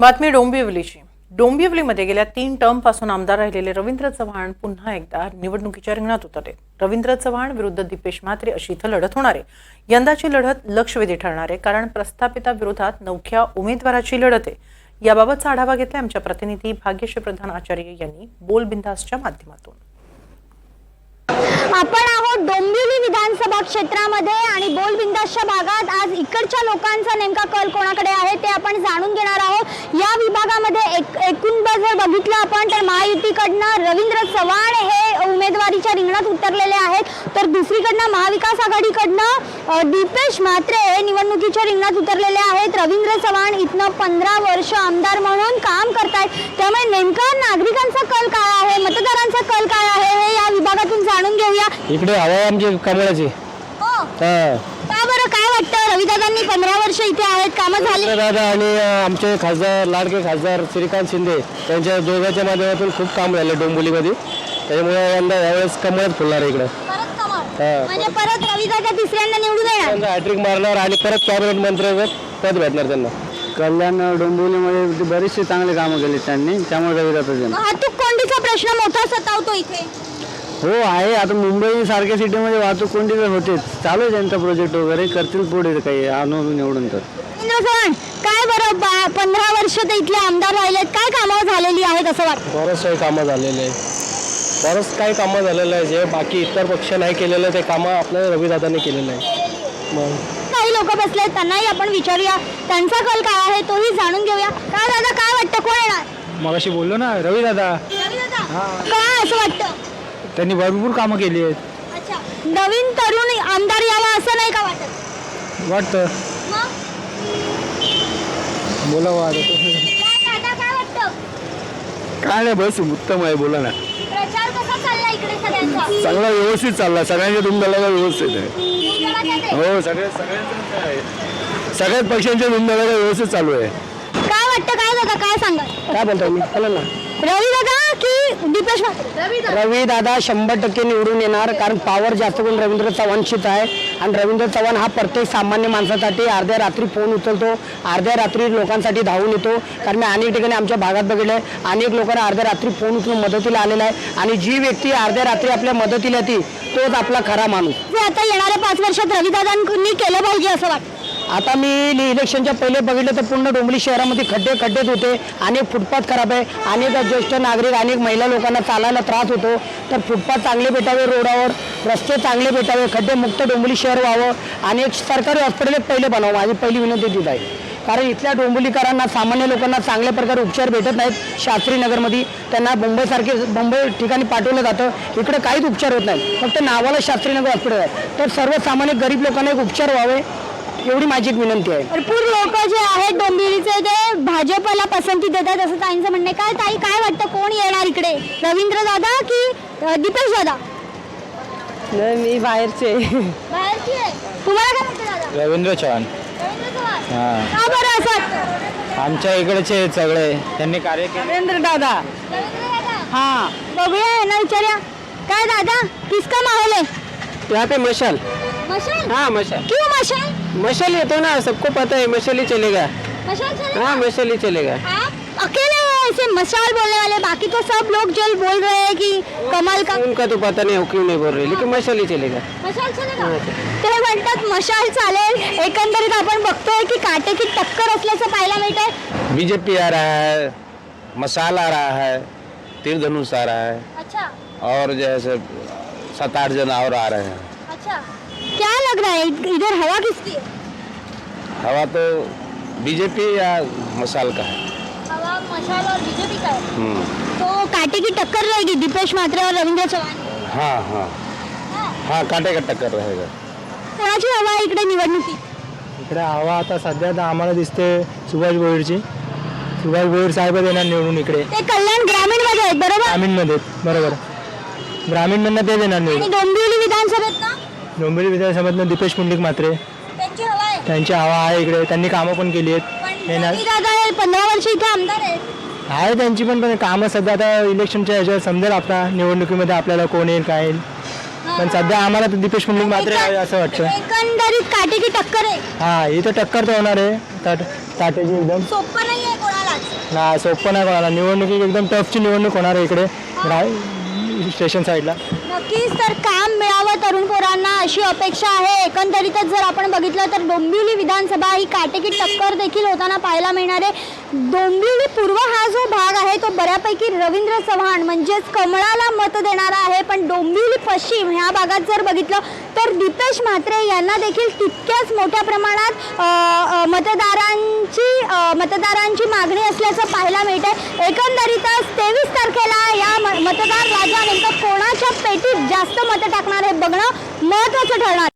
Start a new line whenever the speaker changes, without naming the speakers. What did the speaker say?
बातमी डोंबिवलीची। डोंबिवलीमध्ये गेल्या 3 टर्मपासून आमदार राहिलेले रवींद्र चव्हाण पुन्हा एकदा निवडणुकीच्या रिंगणात उतरले। रवींद्र चव्हाण विरुद्ध दीपेश म्हात्रे अशी इथं लढत होणार आहे। यंदाची लढत लक्षवेधी ठरणार आहे, कारण प्रस्थापिताविरोधात नवख्या उमेदवाराची लढत आहे। याबाबतचा आढावा घेतला आमच्या प्रतिनिधी भाग्यश्री प्रधान आचार्य यांनी बोल बिंदासच्या माध्यमातून।
आपण आहोत डोंबिवली विधानसभा क्षेत्रामध्ये आणि बोल बिंदासच्या भागात आज इकडच्या लोकांचा नेमका कल कोणाकडे आहे ते आपण जाणून घेणार आहोत। या विभागामध्ये एकूण जर बघितलं आपण तर महायुतीकडनं रवींद्र चव्हाण हे उमेदवारीच्या रिंगणात उतरलेले आहेत, तर दुसरीकडनं महाविकास आघाडीकडनं दीपेश म्हात्रे हे निवडणुकीच्या रिंगणात उतरलेले आहेत। रवींद्र चव्हाण इथनं 15 वर्ष आमदार म्हणून काम करतायत, त्यामुळे नेमका नागरिकांचा कल काय आहे, मतदारांचा कल काय आहे हे या विभागातून जाणून घेऊया।
इकडे हवा आमची कमळाची।
का बरं, काय वाटतं? रविदादांनी 15 वर्ष इथे आहेत, कामं झाली?
दादा आणि आमचे खासदार लाडके खासदार श्रीकांत शिंदे त्यांच्या दोघांच्या माध्यमातून खूप काम झालं डोंबिवलीमध्ये, त्यामुळे यंदा यावेळेस कमळच फुलणार इकडे।
म्हणजे परत रविदादा तिसऱ्यांदा निवडून येणार,
हॅट्रिक मारणार आणि परत कॅबिनेट मंत्र्याचं पद भेटणार त्यांना। कल्याण डोंबिवलीमध्ये बरेचसे चांगले कामं केले त्यांनी, त्यामुळे रविदादा
वाहतूक कोंडीचा प्रश्न मोठा सतावतो इथे।
हो आहे, आता मुंबई सारख्या सिटीमध्ये वाहतूक कोंडी तर होतेच, चालू आहे त्यांचा प्रोजेक्ट वगैरे, करतील पुढे काही आणून निवडून। तर
काय बरं 15 वर्ष ते इथले आमदार राहिलेत, काय कामं झालेली आहेत असं वाटतं?
बरंच काही कामं झालेले आहे, बरंच काही कामं झालेलं आहे जे बाकी इतर पक्ष नाही केलेलं ते कामं आपल्या रविदादांनी केलेलं आहे। मग
काही लोक बसले त्यांनाही आपण विचारूया, त्यांचा कल काय आहे तोही जाणून घेऊया। काय दादा, काय वाटतं कोण येणार?
मगाशी बोललो ना रविदादा।
काय असं वाटतं?
त्यांनी भरपूर कामं केली आहेत।
अच्छा, नवीन तरुण आमदार यावा असं नाही का वाटत?
वाटतं बोलावं आता।
काय वाटतं?
काय नाही, बस उत्तम आहे, बोला ना।
प्रचार कसा चालला इकडे सगळ्यांचा?
चांगला व्यवस्थित चालला, सगळ्यांच्या धुमधडाका व्यवस्थित आहे। हो, सगळ्याच पक्षांच्या धुमधडाका व्यवस्थित चालू आहे।
काय वाटतं? काय दादा, काय सांगा?
काय बोलतो मी, बोला ना।
रवी दादा की दीपेश म्हात्रे?
रवी दादा 100% निवडून येणार, कारण पॉवर जास्त करून रवींद्र चव्हाणशीच आहे। आणि रवींद्र चव्हाण हा प्रत्येक सामान्य माणसासाठी अर्ध्या रात्री फोन उचलतो, अर्ध्या रात्री लोकांसाठी धावून येतो। कारण मी अनेक ठिकाणी आमच्या भागात बघितलं आहे, अनेक लोकांना अर्ध्या रात्री फोन उचलून मदतीला आलेला आहे, आणि जी व्यक्ती अर्ध्या रात्री आपल्या मदतीला येते तोच आपला खरा माणूस।
जे आता येणाऱ्या 5 वर्षात रविदादांनी केलं पाहिजे असं वाटतं?
आता मी इलेक्शनच्या पहिले बघितलं तर पूर्ण डोंबिवली शहरामध्ये खड्डेच होते, अनेक फुटपाथ खराब आहे, अनेक ज्येष्ठ नागरिक अनेक महिला लोकांना चालायला त्रास होतो। तर फुटपाथ चांगले भेटावे, रोडावर रस्ते चांगले भेटावे, खड्डेमुक्त डोंबिवली शहर व्हावं, आणि एक सरकारी हॉस्पिटल पहिले बनावं, माझी पहिली विनंती तीच आहे। कारण इथल्या डोंबिवलीकरांना, सामान्य लोकांना चांगल्या प्रकारे उपचार भेटत नाहीत। शास्त्रीनगरमध्ये त्यांना मुंबई ठिकाणी पाठवलं जातं, इकडे काहीच उपचार होत नाही, फक्त नावाला शास्त्रीनगर हॉस्पिटल आहे। तर सर्वसामान्य गरीब लोकांना एक उपचार व्हावे एवढी माझी एक विनंती आहे।
भरपूर लोक जे आहेत डोंबिवलीचे ते भाजपला पसंती देतात असं ताईंचं म्हणणं आहे। काय ताई, काय वाटतं कोण येणार इकडे, रवींद्र दादा की दीपेश दादा?
मी बाहेरचे।
बाहेरची आहे, तुम्हाला काय वाटतं दादा?
रवींद्र चव्हाण।
रवींद्र चव्हाण का बरं असं वाटतं?
आमच्या इकडचे आहेत सगळे, त्यांनी कार्य केले।
रवींद्र दादा।
रवींद्र दादा,
हाँ,
बघूया यांना विचारूया। काय दादा, किसका माहोल है?
यहाँ पे मशाल।
मशाल?
हाँ मशाल।
क्यों मशाल?
मशाल ये तो ना सबको पता है, मशाल ही चलेगा।
मशाल चलेगा?
हाँ मशाल ही चलेगा।
आप अकेले हैं ऐसे मशाल बोलने वाले, बाकी तो सब लोग जो बोल रहे हैं कि कमल का।
उनका तो पता नहीं क्यों नहीं बोल रहे, लेकिन मशाल ही चलेगा।
मशाल चलेगा? ते म्हणतात मशाल चालेल। एकंदरीत आपण बघतोय की काटेकी टक्कर असल्याचं पाहायला मिळतंय।
बीजेपी आ रहा है, मशाल आ रहा है, तीर धनुष आ रहा है,
अच्छा
और जैसे 7-8 जन और आ रहे हैं।
अच्छा, क्या लग रहा है इधर हवा किसकी है?
हवा तो बीजेपी या मशाल का है।
हवा मशाल और बीजेपी का है। तो काटे की टक्कर रहेगी दीपेश म्हात्रे और रवींद्र चव्हाण।
हाँ हाँ हाँ, काटे का टक्कर रहेगा।
कोणाची हवा आहे इकडे निवडणुकीत?
इकडे हवा आता सध्या तर आम्हाला दिसते सुभाष भोईरची। सुभाष भोईर साहेब येणार निवडून इकडे।
ते कल्याण ग्रामीण मध्ये आहेत बरोबर?
ग्रामीणमध्ये बरोबर, ग्रामीणमधनं ते देणार
आणि
निवडून।
डोंबिवली विधानसभेत ना
डोंबिवली विधानसभेतनं दीपेश पुंडलिक म्हात्रे,
त्यांची हवा आहे।
त्यांची हवा आहे इकडे, त्यांनी कामं पण केली आहेत।
पण दादा हे 15 वर्ष इथे आमदार आहेत।
आहे त्यांची पण कामं सध्या आता इलेक्शनच्या ह्याच्यावर समजेल आपला निवडणुकीमध्ये आपल्याला कोण येईल काय येईल, पण सध्या आम्हाला तर दीपेश पुंडलिक म्हात्रे आहे असं वाटतं।
एकंदरीत काटेकी टक्कर आहे।
हा, इथं टक्कर तर होणार आहे। तर
स्ट्रॅटेजी एकदम
सोपं नाहीये कोणालाच.
नाही सोपं नाही कोणाला. निवडणुकी एकदम टफची निवडणूक होणार आहे इकडे स्टेशन साईडला.
नक्कीच तर काम मिळावं तरुण पोरांना अशी अपेक्षा आहे. एकंदरीतच जर आपण बघितलं तर डोंबिवली विधानसभा ही काटेकी टक्कर देखील होताना पाहायला मिळणार आहे. डोंबिवली पूर्व हा जो भाग आहे तो बऱ्यापैकी रवींद्र चव्हाण म्हणजेच कमळाला मत देणारा आहे, पण डोंबिवली पश्चिम ह्या भागात जर बघितलं तर दीपेश म्हात्रे यांना देखील तितक्याच मोठ्या प्रमाणात मतदारांची मागणी असल्याचं पाहायला मिळते. एकंदरीतच 23 तारखेला या मतदार राजा नेमकं कोणाच्या पेटीत जास्त मतं टाकणार हे बघणं महत्त्वाचं ठरणार.